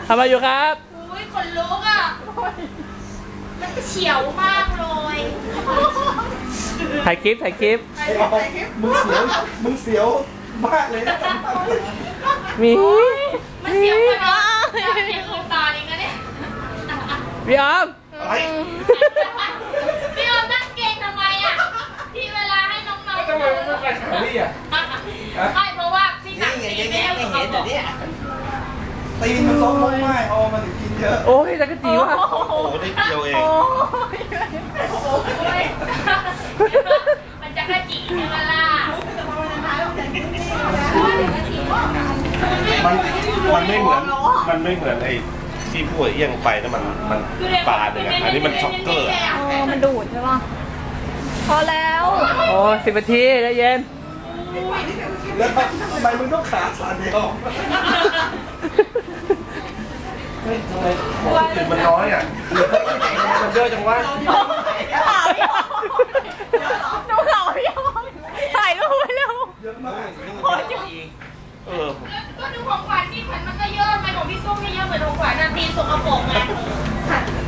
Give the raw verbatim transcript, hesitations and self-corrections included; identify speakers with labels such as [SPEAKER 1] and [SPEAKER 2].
[SPEAKER 1] ทำอะไรอยู่ครับ
[SPEAKER 2] อุ้ยขนลุกอ่ะมันเฉียวมากเลย
[SPEAKER 1] ถ่ายคลิปถ่ายคลิป
[SPEAKER 3] มึงเสียวมึงเสียวมากเลยนะ
[SPEAKER 1] มี
[SPEAKER 2] มันเสียวกว่านี้อยากเสียวคนตาเองนะเนี่ย
[SPEAKER 1] พี่ออม
[SPEAKER 2] พี่ออมนั่งเก่งทำไมอ่ะที่เวลาให้น้องๆทำไมไม่ไปแถวนี้อ่ะไม่เพราะว่าพี่หนักตีไม่ให้เขาบอก
[SPEAKER 3] ตีนมันซ้อมลงไม้ออมันถึงกินเยอะ
[SPEAKER 1] โอ้ยจักรจีวะ
[SPEAKER 3] โอ้ได้เดียวเอง
[SPEAKER 2] มันจักรจีใช่ไหมล่ะ
[SPEAKER 3] มันมันไม่เหมือนมันไม่เหมือนไอ้ที่พวกเอี้ยงไปนะมันมันปลาเลยอันนี้มันช็อกเกอร์
[SPEAKER 4] มันดูดใช่ป่ะพอแล้ว
[SPEAKER 1] โอ้สิบนาทีใจเย็น
[SPEAKER 3] แล้วทำไมมึงต้องขาสั่นเดียวทำไมตื่นมันน้อยอ่ะมันเยอะจังวะ
[SPEAKER 4] ข่าวพี่ดูข่าวพี่ถ่ายรูปไว้เร็ว
[SPEAKER 3] เยอะมาก
[SPEAKER 2] เออก็ดูของขวัญที่ขวัญมันก็เยอะทำไมของพี่ส้มไม่เยอะเหมือนของขวัญนะตีสกปรกไง